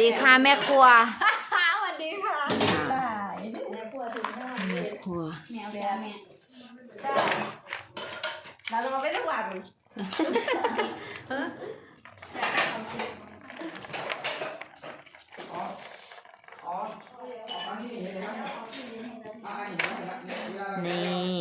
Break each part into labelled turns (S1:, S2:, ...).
S1: ดีค่ะแม่ครัว
S2: สวัสดีค่ะได้แม่ครัวถึงได้
S1: แม่ครัว
S2: แมวจ้าแม่ได้เราจะมาไม่ได้หวัง
S1: นี่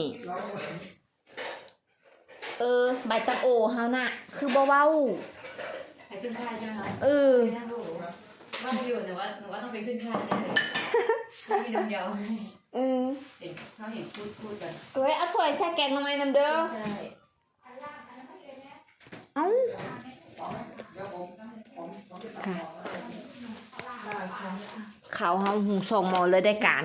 S1: ใบตังโอเฮาน่ะคือบ่เว้า
S2: ไปขึ้นค่ายใช่ไหมคะว่าอยู่แต่ว่าหนูว่าต้องไปขึ้นค่ายแน่เลยมีน้ำเดียวเขาเห็นพูดกัน
S1: เอาถ้วยใส่แกงทำไมน้ำเด้อ
S2: ใช่
S1: เอ้าค่ะเขาเฮาหุงส่งหมอเลยได้การ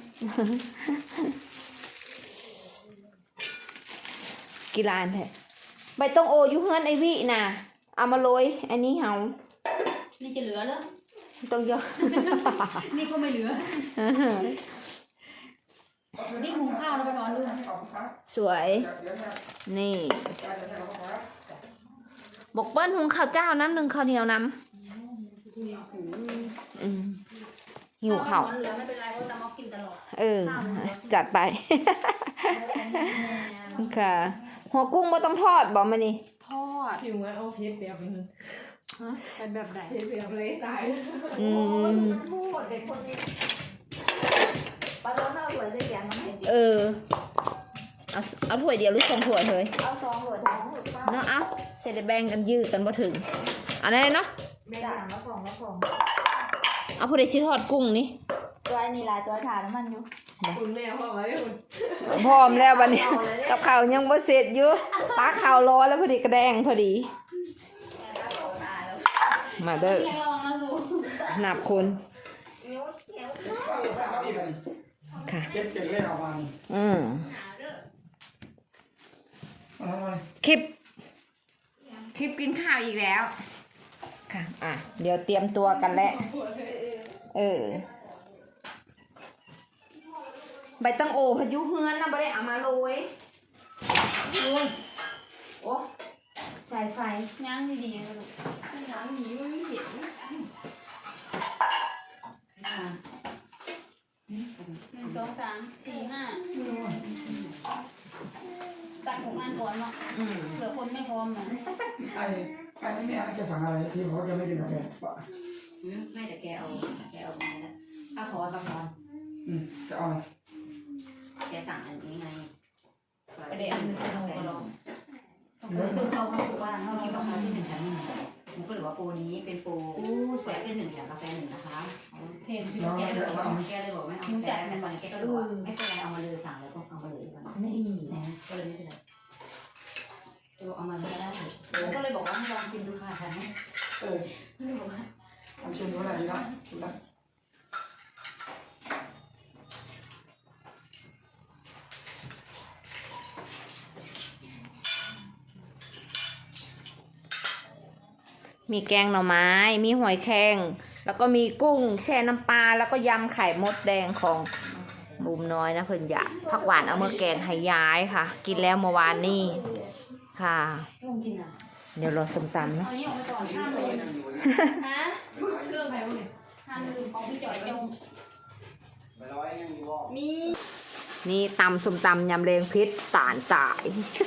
S1: กีฬาแท้ใบตองโออยู่เฮือนไอวิน่ะเอามาโรยอันนี้เฮา
S2: นี่จะเหลือเหรอ
S1: ต้องเยอะ
S2: นี่ก็ไม่เหลือนี่หุงข้าวแล้วไปนอนด้วย
S1: สวยนี่บกเปิ้ลหุงข้าวเจ้าน้ำหนึ่งข้าวเหนียวน้ำหิวข้าว
S2: เหลือไม่เป็นไรเพราะจะมากินตลอด
S1: จัดไปค่ะหัวกุ้งไม่ต้องทอดบอกมานี่
S2: ทอดถึงว่าเอาเพชรแบบนึงเป็นแบบไหนเพชรแบบเละตายพูดเด็กคนนี้ปลาโดนเอาถั่วใส่แกงมันเห็นดิ
S1: เอาถ้วยเดียวหรือ2 ถ้วยเลย
S2: เอา2 ถ้วย
S1: เนาะเอาเสร็จแบ่งกันยืดกันบ่ถึงอันนี้เนาะ
S2: ด่างละ2
S1: เอาผู้ใดชิทอดกุ้งนี่
S2: จอยนี่ล่ะจอยถ่านน้ำมันอยู่คุณแม่พร้อมไหมคุณ
S1: พร้อมแล้ววันนี้กับข้าวยังบ่เสร็จอยู่ปลาข้าวรอแล้วพอดีกระแดงพอดีมาเด้อนับคนค่ะ
S3: เก็บเล่นออกมา
S1: คลิปกินข้าวอีกแล้วค่ะเดี๋ยวเตรียมตัวกันแล้วใบตังโอพายุเฮือนนะบ่ได้เอามาโรยโอ้สายไฟ
S2: ย่างดีๆลูกย่างดีไม่เห็น1 2 3 4 5ตัดของงานก่อนเนาะเผื่อคนไม่พร้อมนะ
S3: ไอ้นี่แม่จะสั่งอะไรที่เขาจะไม่กินกาแฟป่ะ
S2: ไม่แต่แกเอามาแล้วถ้าพอจะพอ
S3: จะเอาอะไร
S2: แกสั่งอันนี้ไงประเดี๋ยวอันนี้เราลองคือเขาบอกว่าเขาคิดว่าเขาที่1 แถม 1ผมก็เลยว่าโปรนี้เป็นโปรแซ่บที่1 แถมกาแฟ1นะคะแกเลยบอกไม่เอาแต่ในวันนี้แกก็บอกว่าไม่เป็นไรเอามาเลยสั่งแล้วก็เอามาเลย
S1: นี่
S2: นะก็เลยไม่เป็นไรเอามาเลยได้ผมก็เลยบอกว่าให้ลองกินดูค่ะค่ะไม่บอกว่า
S3: ทำชิมดูอะไรดีนะดูนะ
S1: มีแกงหน่อไม้มีหอยแครงแล้วก็มีกุ้งแช่น้ำปลาแล้วก็ยำไข่มดแดงของบุมน้อยนะเพิ่นอยากผักหวานเอามาแกงให้ย้ายค่ะกินแล้วเมื่อวานนี้ค่ะเดี๋ยวรอส้มตำเนาะนี่ตำส้มตำยำแรงพิษสารจ่าย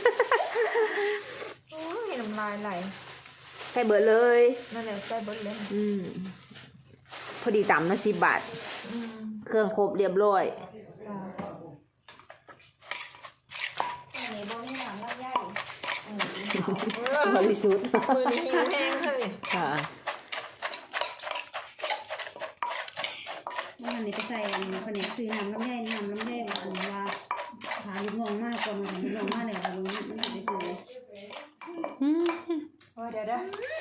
S2: โอ้ยน้ำลายไหล
S1: ใส่เบิดเลย
S2: นั่นแหละใส่เบิดเลย
S1: พอดีตำนะ10 บาทเครื่องครบเรียบร้อยบริสุทธิ์
S2: มือนี้หิวแห้งเลย
S1: ค่ะ
S2: วันนี้ไปใส่คนนี้ซื้อน้ำลำไยผมว่าหาลูกน้องมากกว่าลูกน้องมากเลยค่ะลุงไม่ได้ซื้อเดี๋ยว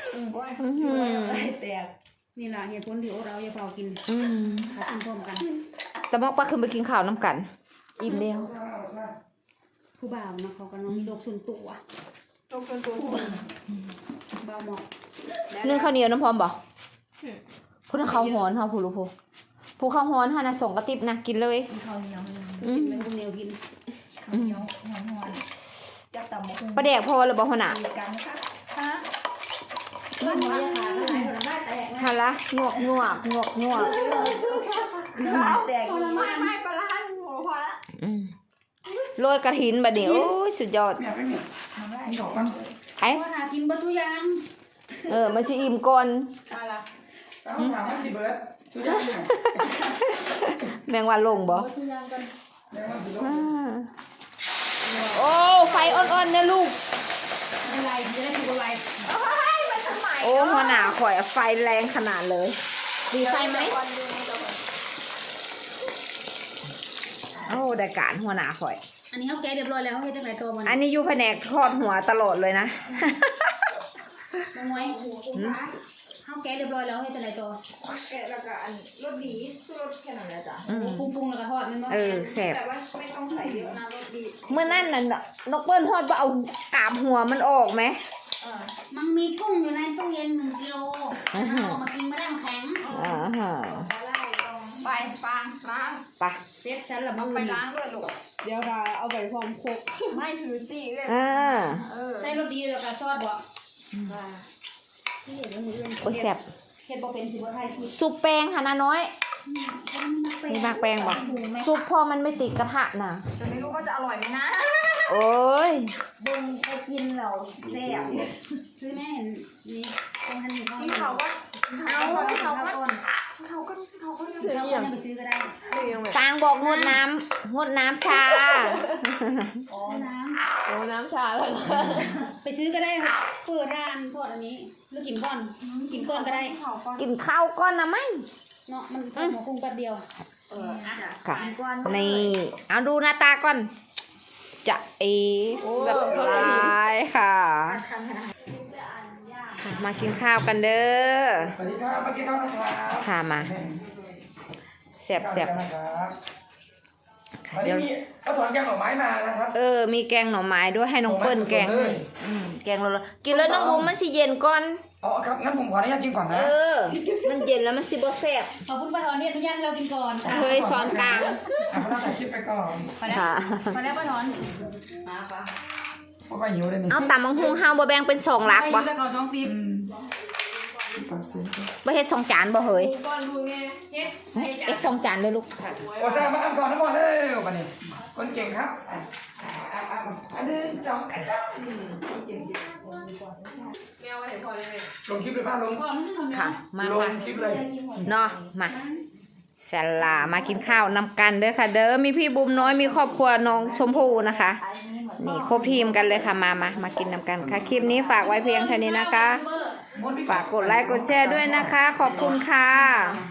S2: แตกนี่แหละเหตุผลที่เราอย่าเผากินเขากินพร้อมกัน
S1: แต่มอกป้าขึ้นไปกินข้าวน้ำกันอิ่มแล้ว
S2: ผู้บ่าวนะเขาก็น้องมีโรคส่วนตัวบ่าวหมอก
S1: นึ่งข้าวเหนียวน้ำพร้อมบ่พูดถึงข้าวฮ้อนค่ะผู้รู้ผู้ข้าวฮ้อนค่ะนะส่งกระติบนะกินเลย
S2: ข้าวเหนียวเป็นข้าวเหนียวกินข้าวเหนียวฮ้อนจับตำ
S1: ประเดี๋ยวพอหรือบ่หัวหน้า
S2: บ้านหนูยาขาก็หลายผลไม้แตกนะ
S1: ฮะละงวกงวกงวกงวก
S2: ผลไม้ไม่ปลาร้าหมูพอละ
S1: โรยกระถินบัดนี้โอ้ยสุดยอด
S3: เมียไปเมียนี่ดอกมัน
S1: ไอ้
S2: พอหากินบะทุกอย่าง
S1: มันสิอิ่มก่อน
S2: อะไร
S3: แล้วถามว่าสิเบิร์ดทุกอย่างเนี่ย
S1: แมงวันลงบ่
S2: บะทุกอย่างกัน
S3: แล้วมันสิลง
S1: โอ้ไฟอ่อนๆเนี่ยลูก
S2: อะไรจะได้ถูกอะไร
S1: โอ้หัวหน้าข่อยไฟแรงขนาดเลย ดีไฟไหมโอ้ได้การหัวหน้าข่อย
S2: อันนี้เขาแกะเรียบร้อยแล้วเขาเฮ็ดจังไรตัวมัน
S1: อันนี้อยู่แผนกทอดหัวตลอดเลยนะ
S2: น้องมวยเขาแกะเรียบร้อยแล้วเขาเฮ็ดจังไรตัว
S4: แกะแล้วก็อันรสดีสู้รสแค่นั้นแหละจ้ะ
S2: ปรุงแล้วก็ทอดมันบ่
S1: แซ่บ
S4: แต่ว่าไม่ต้องใส่เยอะนะรสดี
S1: เมื่อนั่นน่ะนกเปิ้ลทอดว่าเอากาบหัวมันออกไหม
S2: มันมีกุ้งอยู่ในตู้เย็น1 กิโลมันเอามากินไม่ได้มันแข็ง
S1: อ่าฮะ
S4: ไปฟางล้าง
S1: ไป
S2: เซ็ตฉันละ
S4: เอา
S2: มึง
S4: ไปล้างด้วยลูก
S5: เดี๋ยวเราเอาไปพร้อมครก
S4: ไม่ถือสิเลย
S1: อ่า
S2: ใส่รสดีแล้วก็ทอดบ่
S1: โอ้ยแซ่บ
S2: เฮ็ดบ่เป็นสิบ่ทายคิด
S1: ซุปแป้งค่ะนะน้อย มีมากแป้งบ่ซุปพอมันไม่ติดกระทะนะ
S4: แต่ไม่รู้ว่าจะอร่อยไหมนะ
S1: โอ้ย
S4: บึงไปกินเราแซ่บ
S2: ซื้อแม่เห็นนี่ตรงทันนี่เขา
S4: ที่เขาก็
S2: เอาเขาก็ต้น
S4: เขาก็
S2: เราก็ยังไปซื้อก็ได้
S1: ฟางบอกงดน้ำงดน้ำชา
S2: อ๋อน้
S5: โอ้น้ำชาแล้ว
S2: ำไปซื้อก็ได้ค่ะเปิดร้านทอดอันนี้หรือกินก่อนกินก่อนก็ได้
S4: เขาก็
S1: กินข้าวก้อนนะมั้ง
S2: เนาะมันทอดหมูกุ้งแป๊บเดียว
S1: ค่ะนี่เอาดูหน้าตาก่อน จะสบายค่ะมากินข้าวกันเด้อ
S3: สวัสดีครับมากินข้าวนะครับ
S1: ค่ะมาแซ่บ
S3: ครับวันนี้มีเขาถอนแกงหน่อไม้มานะครับ
S1: มีแกงหน่อไม้ด้วยให้น้องเปิ้ลแกง
S3: เลย
S1: แกงเรากินแล้วน้องบุ้มมันสิเย็นก่อน
S3: เอาครับงั้นผมขออนุญาตกินก่อนนะ
S1: มันเย็นแล้วมันสิบ่แซ่บ
S2: ขอบคุณป้าถอนที่อนุญาตให้เรากินก่อนค่ะ
S1: เฮ้ยซ้อนกลาง
S3: พระถ่ายคลิปไปก่อน
S2: พอแล้ว
S1: ค่ะ
S2: พอแล้วป้าถอน
S4: มาปะ
S3: เพราะว่าหิวเลยนี่
S1: เอาตำมังหุงเฮาบ่แบ่งเป็น2หลัก
S2: ไป
S1: บ่
S2: แล้วก็2ติ๊บ
S3: ตัดสิน
S1: บ่เฮ็ด2จานบ่เฮ้ย
S5: ก้อนดูไงเฮ็ด
S1: เอ็ด2จานเลยลูกค่ะ
S3: โอ้แซ่บมาอันก่อนทั้งหมดเลยวันนี้คนเก่งครับอันนี้จ้องกัน
S5: แมวไว้ให้พอเลย
S3: ลงคลิปเลยป้าลง
S2: ก่อนมันทำ
S1: ค่ะ มา
S3: ลง
S1: ค่ะ
S3: คลิปเลย
S1: เนาะมาสลามากินข้าวนำกันเด้อค่ะ เด้อมีพี่บุ๋มน้อยมีครอบครัวน้องชมพู่นะคะ นี่ครบทีมกันเลยค่ะมากินนำกันค่ะคลิปนี้ฝากไว้เพียงเท่านี้นะคะ ฝากกดไลค์กดแชร์ด้วยนะคะ ขอบคุณค่ะ